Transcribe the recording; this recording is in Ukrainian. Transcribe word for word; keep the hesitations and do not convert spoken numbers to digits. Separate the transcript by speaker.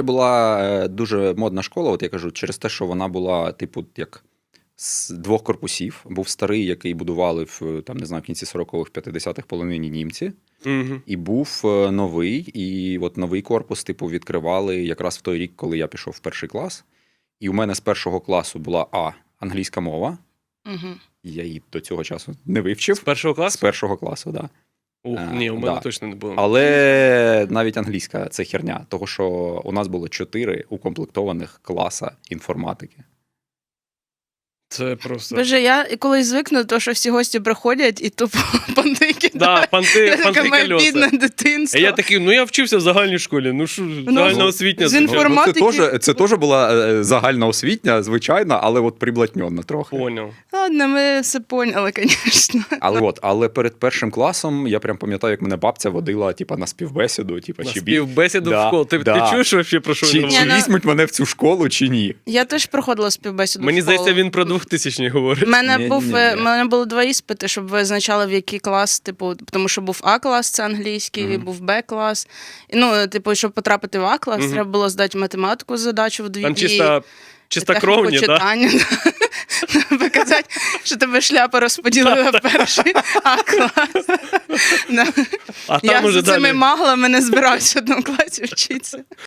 Speaker 1: була е, дуже модна школа, от я кажу, через те, що вона була, типу, як з двох корпусів. Був старий, який будували в, там, не знаю, в кінці сорокових, п'ятдесятих половині німці.
Speaker 2: Угу.
Speaker 1: І був е, новий, і от новий корпус, типу, відкривали якраз в той рік, коли я пішов в перший клас. І у мене з першого класу була А, англійська мова.
Speaker 3: Угу.
Speaker 1: Я її до цього часу не вивчив.
Speaker 2: З першого
Speaker 1: З
Speaker 2: класу?
Speaker 1: першого класу, так. Да.
Speaker 2: Ух,
Speaker 1: Е,
Speaker 2: ні, у мене
Speaker 1: да.
Speaker 2: точно не було.
Speaker 1: Але навіть англійська – це херня, того що у нас було чотири укомплектованих класа інформатики.
Speaker 2: Це просто...
Speaker 3: Боже, я колись звикну, то, що всі гості приходять і тупо понти кидають.
Speaker 2: Да, понти,
Speaker 3: Я така,
Speaker 2: понти
Speaker 3: моє
Speaker 2: кольоса.
Speaker 3: бідне дитинство.
Speaker 2: А я такий, ну я вчився в загальній школі, ну що, загальна освітня.
Speaker 3: з інформ-
Speaker 1: Ну, це
Speaker 3: Інформатики.
Speaker 1: теж, це теж була е, загальноосвітня, звичайна, але от приблатньона трохи.
Speaker 2: Поняв.
Speaker 3: Ладно, ми все поняли, звісно.
Speaker 1: Але, от, але перед першим класом я прям пам'ятаю, як мене бабця водила типа, на співбесіду. Типа,
Speaker 2: На
Speaker 1: чи, бі-
Speaker 2: співбесіду
Speaker 1: Да,
Speaker 2: в школу. Ти,
Speaker 1: да.
Speaker 2: ти чуєш вообще, про що
Speaker 1: чи,
Speaker 2: він
Speaker 1: чи
Speaker 3: Ні,
Speaker 2: говорить?
Speaker 3: ну-
Speaker 1: візьмуть мене в цю школу, чи ні?
Speaker 3: Я теж проходила співбесіду
Speaker 2: Мені
Speaker 3: в школу.
Speaker 2: здається, він про двохтисячні говорить.
Speaker 3: У мене,
Speaker 1: Ні,
Speaker 3: був,
Speaker 1: ні, ні.
Speaker 3: е, мене було два іспити, щоб визначали, в який клас, типу, тому що був А-клас, це англійський,
Speaker 1: Мгм.
Speaker 3: був Б-клас. І, ну, типу, щоб потрапити в А-клас,
Speaker 2: Мгм.
Speaker 3: треба було здати математику задачу в дві.
Speaker 2: Там
Speaker 3: і
Speaker 2: чисто, чистокровні,
Speaker 3: техніку
Speaker 2: да?
Speaker 3: читання. Показати, що тебе шляпа розподілила в перший А-клас. Да.
Speaker 2: А
Speaker 3: Я
Speaker 2: там уже
Speaker 3: з цими
Speaker 2: далі...
Speaker 3: маглами не збирався в одному класі вчитися.